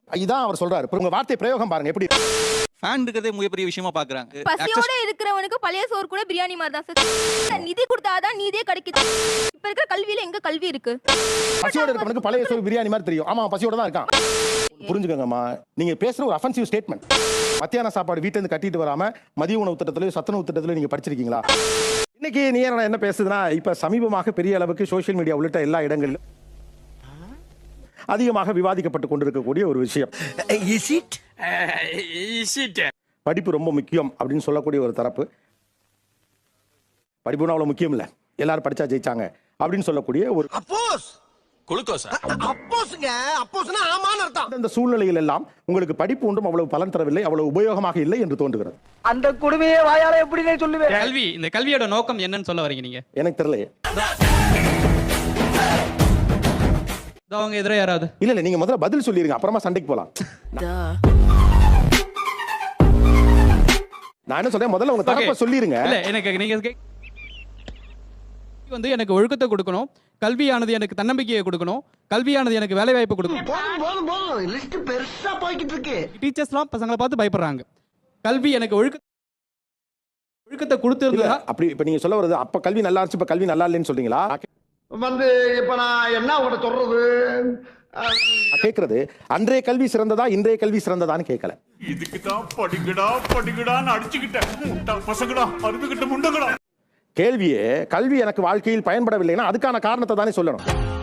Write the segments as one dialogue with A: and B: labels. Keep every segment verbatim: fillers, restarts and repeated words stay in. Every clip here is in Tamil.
A: இதான் அவர் சொல்றாரு. உங்க வார்த்தை பிரயோகம் பாருங்க எப்படி.
B: ஃபேன் இருக்கிறதே மிகப்பெரிய விஷயமா பாக்குறாங்க.
C: பசியோட இருக்கிறவனுக்கு பழைய சோறு கூட பிரியாணி மாதிரி தான் சார். நிதி கொடுத்தாதான் நீதியே கிடைக்குது. இப்ப இருக்கிற கல்வியில எங்க கல்வி இருக்கு?
A: பசியோட இருக்கிறவனுக்கு பழைய சோறு பிரியாணி மாதிரி தெரியும். ஆமா பசியோட தான் இருக்கான். புரிஞ்சுக்கங்கம்மா, நீங்க பேசுற ஒரு அஃபென்சிவ் ஸ்டேட்மெண்ட். மத்தியான சாப்பாடு வீட்டுல இருந்து கட்டிட்டு வராம மதிய உணவு திட்டத்திலயோ சத்துணவு திட்டத்திலயோ நீங்க படிச்சிருக்கீங்களா? இன்னைக்கு நீ என்ன பேசுதுன்னா, இப்ப சமீபமாக பெரிய அளவுக்கு சோசியல் மீடியா உள்ளிட்ட எல்லா இடங்களிலும் அதிகமாக விவாதிக்கப்பட்டு கொண்டிருக்கக்கூடிய ஒரு விஷயம். படிப்பு ரொம்ப முக்கியம் அப்படின்னு சொல்லக்கூடிய ஒரு தரப்பு, படிப்புனா அவ்வளவு முக்கியம் இல்ல, எல்லாரும் படிச்சா ஜெயிச்சாங்க அப்படின்னு சொல்லக்கூடிய ஒரு அந்த சூழ்நிலையில் எல்லாம் உங்களுக்கு படிப்பு ஒன்றும் அவ்வளவு பலன் தரவில்லை, அவ்வளவு உபயோகமாக இல்லை என்று தோன்றுகிறது.
D: அந்த கொடுமையை வாயால எப்படி சொல்லுவேன்?
E: கல்வி, இந்த கல்வியோட நோக்கம் என்னன்னு சொல்ல வரீங்க நீங்க?
A: எனக்கு தெரியலையே.
E: அவங்க எதிரே யாராவது
A: இல்ல இல்ல, நீங்க முதல்ல பதில் சொல்லிருங்க, அப்புறமா சண்டைக்கு போலாம். நான் என்ன சொல்றேன், முதல்ல உங்க தரப்ப சொல்லிருங்க.
E: இல்ல, எனக்கு நீங்க வந்து எனக்கு ஒழுக்கத்தை கொடுக்கணும், கல்வியானது எனக்கு தன்னம்பிக்கையை கொடுக்கணும், கல்வியானது எனக்கு வேலை வாய்ப்பு கொடுக்கணும். டீச்சர்ஸ்லாம் பசங்களை பார்த்து பயப்படுறாங்க. கல்வி எனக்கு ஒழுக்க ஒழுக்கத்தை கொடுத்துருந்தா
A: அப்படி இப்ப நீங்க சொல்ல வருது, அப்ப கல்வி நல்லா இருந்துச்சு இப்ப கல்வி நல்லா இல்லைன்னு சொல்றீங்களா?
D: வந்து இப்ப நான் என்ன உங்கள்ட்ட சொல்றது
A: கேக்குறது, அன்றைய கல்வி சிறந்ததா இன்றைய கல்வி சிறந்ததான்னு கேட்கல.
F: இதுக்கு தான் படிக்கடா படிக்கடான்னு அடிச்சுக்கிட்டேன் பசங்கடா அறுதுகிட்ட முண்டங்கடா.
A: கேள்வியே கல்வி எனக்கு வாழ்க்கையில் பயன்படவில்லைன்னா அதுக்கான காரணத்தை தானே சொல்லணும்.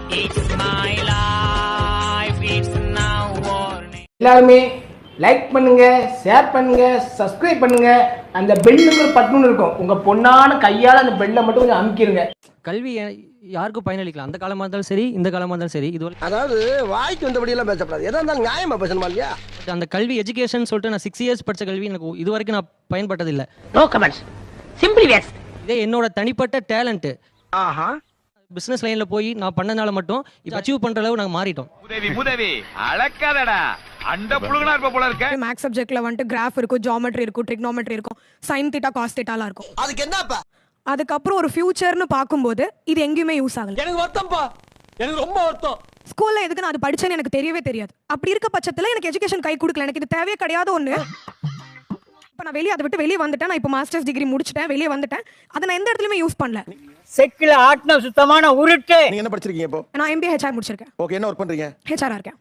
D: எல்லாருமே லைக் பண்ணுங்க, ஷேர் பண்ணுங்க, சப்ஸ்கிரைப் பண்ணுங்க. அந்த பெல்லுங்கிற பட்டனும் இருக்கும், உங்க பொண்ணான கையால அந்த பெல்லை மட்டும் கொஞ்சம் அமுக்கிருங்க.
G: கல்வி யாருக்கும் பயனளிக்கலாம், அந்த காலமா இருந்தாலும் சரி இந்த காலமா இருந்தாலும் சரி. இது
D: அதாவது வாய்க்கு வந்தபடி எல்லாம் பேசப்படாது, எதா இருந்தாலும் நியாயமா பேசணுமா இல்லையா?
G: அந்த கல்வி எஜுகேஷன் சொல்லிட்டு நான் சிக்ஸ் இயர்ஸ் படிச்ச கல்வி எனக்கு இது வரைக்கும் நான் பயன்பட்டது இல்ல.
D: No comments, simply waste.
G: இதே என்னோட தனிப்பட்ட டேலண்ட்.
D: ஆஹா,
G: பிசினஸ் லைன்ல போய் நான் பண்ணனால மட்டும் இது அச்சீவ் பண்ற அளவு நாங்க மாறிட்டோம்.
F: உதவி உதவி அளக்காதடா, அண்ட புழுகனா இருப்ப போல இருக்க.
H: மேக்ஸ் சப்ஜெக்ட்ல வந்துட்டு கிராஃப் இருக்கும், ஜியோமெட்ரி இருக்கும், ட்ரிக்னோமெட்ரி இருக்கும், சைன் தீட்டா காஸ் தீட்டாலாம் இருக்கும்.
D: அதுக்கு என்னப்பா?
H: அதுக்கப்புறம் ஒரு ஃபியூச்சர்னு பார்க்கும்போது இது எங்கேயுமே யூஸ் ஆகல.
D: எனக்கு வருத்தம்ப்பா, எனக்கு ரொம்ப வருத்தம்.
H: ஸ்கூல்ல எதுக்கு நான் அது படிச்சேன்னு எனக்கு தெரியவே தெரியாது. அப்படி இருக்க பட்சத்துல எனக்கு எஜுகேஷன் கை கொடுக்கல, எனக்கு இது தேவையே கிடையாது ஒண்ணு. இப்ப நான் வெளியே அதை விட்டு வெளியே வந்துட்டேன், நான் இப்போ மாஸ்டர்ஸ் டிகிரி முடிச்சிட்டேன், வெளியே வந்துட்டேன், அதை நான் எந்த இடத்துலயுமே யூஸ் பண்ணல.
D: செக்கில ஆட்ன சுத்தமான உருட்டு.
A: நீங்க என்ன படிச்சிருக்கீங்க இப்போ?
H: நான் எம்பிஏ ஹெச்ஆர் முடிச்சிருக்கேன்.
A: ஓகே, என்ன ஒர்க் பண்றீங்க?
H: ஹெச்ஆரா இருக்கேன்.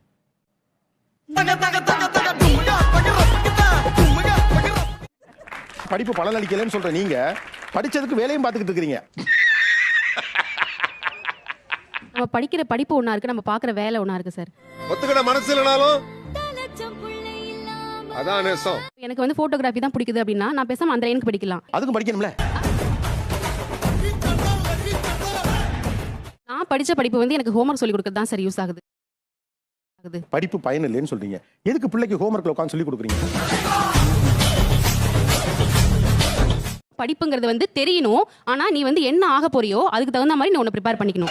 A: படிப்பு பலன் அளிக்கலன்னு சொல்ற நீங்க படிச்சதுக்கு வேலையும் பார்த்துக்கிட்டு இருக்கீங்க.
I: நம்ம படிக்கிற படிப்பு ஒண்ணா இருக்கு, நம்ம பாக்குற வேலை ஒண்ணா இருக்கு சார்.
F: ஒத்துக்கிட மனசு இல்லனாலும் அதான் நேசம்.
I: எனக்கு வந்து போட்டோகிராஃபி தான் பிடிக்குது அப்படின்னா நான் பேசாம அந்த லைனுக்கு படிக்கலாம்.
A: அதுக்கும் படிக்கணும்ல.
I: நான் படிச்ச படிப்பு வந்து எனக்கு ஹோம்வொர்க் சொல்லி கொடுக்கிறது தான் சார் யூஸ் ஆகுது.
A: படிப்பு பயன் இல்லைன்னு சொல்றீங்க, எதுக்கு பிள்ளைக்கு ஹோம்வொர்க்ல உட்கார்ந்து சொல்லி கொடுக்குறீங்க?
I: படிப்புங்கிறது வந்து தெரியணும், ஆனா நீ வந்து என்ன ஆக போறியோ அதுக்கு தகுந்த மாதிரி நீ உன்னை ப்ரிப்பேர் பண்ணிக்கணும்.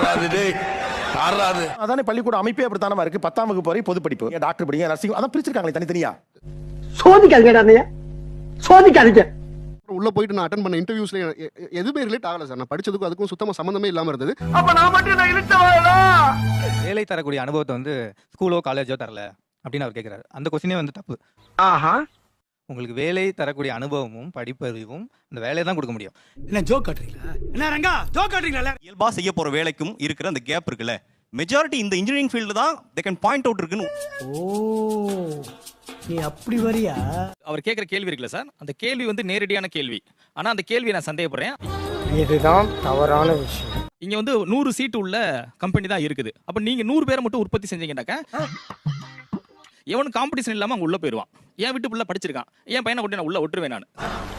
A: அதானே பள்ளிக்கூட அமைப்பே அப்படித்தானமா இருக்கு. பத்தாம் வகுப்பு வரை பொது படிப்பு, டாக்டர் படிங்க, நர்சிங், அதான் பிரிச்சிருக்காங்களே தனித்தனியா.
D: சோதிக்காதீங்க, சோதிக்காதீங்க.
J: உள்ள போயிட்டு நான் அட்டெண்ட் பண்ண இன்டர்வியூஸ்ல எதுவுமே ரிலேட் ஆகல சார். நான் படிச்சதுக்கும் அதுக்கும் சுத்தமா சம்பந்தமே இல்லாம இருந்தது.
D: அப்ப நான் மட்டும் நான் இழுத்தவளா?
B: வேலை தரக்கூடிய அனுபவத்தை வந்து ஸ்கூலோ காலேஜோ தரல அப்படின்னு அவர் கேட்கிறாரு. அந்த கொஸ்டினே வந்து தப்பு.
D: ஆஹா,
B: உங்களுக்கு வேலை தரக்கூடிய அனுபவமும் படிப்பறிவும் அந்த வேலையை தான் கொடுக்க முடியும்.
D: என்ன ஜோக் காட்டுறீங்களா? என்ன ரங்கா ஜோக் காட்டுறீங்களா?
B: இயல்பா செய்ய போற வேலைக்கும் இருக்கிற அந்த கேப் இருக்குல்ல, மெஜாரிட்டி இந்த இன்ஜினியரிங் ஃபீல்டு தான் தே கேன் பாயிண்ட் அவுட் இருக்குன்னு.
D: ஓ, நீ அப்படி வரியா?
E: அவர் கேட்கிற கேள்வி இருக்குல்ல சார், அந்த கேள்வி வந்து நேரடியான கேள்வி. ஆனா அந்த கேள்வியை நான் சந்தேகப்படுறேன்.
D: இதுதான் தவறான விஷயம்.
E: இங்க வந்து நூறு சீட்டு உள்ள கம்பெனி தான் இருக்குது. அப்ப நீங்க நூறு பேரை மட்டும் உற்பத்தி செஞ்சீங்கன்னாக்க எவனும் காம்படிஷன் இல்லாம அங்க உள்ள போயிருவான். என் வீட்டு புள்ள படிச்சிருக்கான், என் பையனை கொண்டு நான் உள்ள ஒட்டுருவேன் நான்.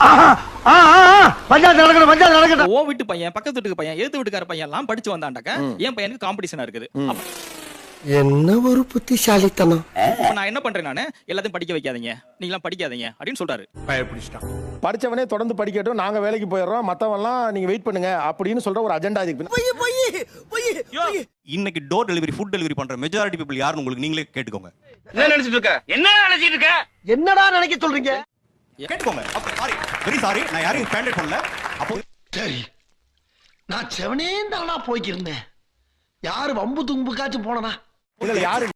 E: ஓ வீட்டு பையன், பக்கத்து வீட்டுக்கு பையன், எழுத்து வீட்டுக்கார பையன் எல்லாம் படிச்சு வந்தாண்டாக்க என் பையனுக்கு காம்படிஷனா இருக்குது.
D: என்ன ஒரு புத்திசாலித்தனம்.
E: நான் என்ன பண்றேன், நானு எல்லாத்தையும் படிக்க வைக்காதீங்க, நீங்க எல்லாம் படிக்காதீங்க அப்படின்னு சொல்றாரு.
F: பயப்பிடிச்சிட்டான்.
A: படிச்சவனே தொடர்ந்து படிக்கட்டும், நாங்க வேலைக்கு போயிடுறோம், மத்தவெல்லாம் நீங்க வெயிட் பண்ணுங்க அப்படின்னு சொல்ற ஒரு அஜெண்டா இருக்கு.
B: இன்னைக்கு டோர் டெலிவரி, ஃபுட் டெலிவரி பண்ற மெஜாரிட்டி பீப்புள் யாருன்னு உங்களுக்கு நீங்களே கேட்டுக்கோங்க.
D: என்ன நினைச்சிட்டு இருக்க? என்ன நினைச்சிட்டு இருக்க? என்னடா நினைக்க சொல்றீங்க?
B: கேட்டுக்கோங்க. சாரி, வெரி சாரி, நான் யாரையும் பேண்டட் பண்ணல. அப்போ
D: சரி, நான் செவனே தானா போய்க்கிருந்தேன். யாரு வம்பு தும்புக்காச்சும் போனனா?
A: இல்ல யாரு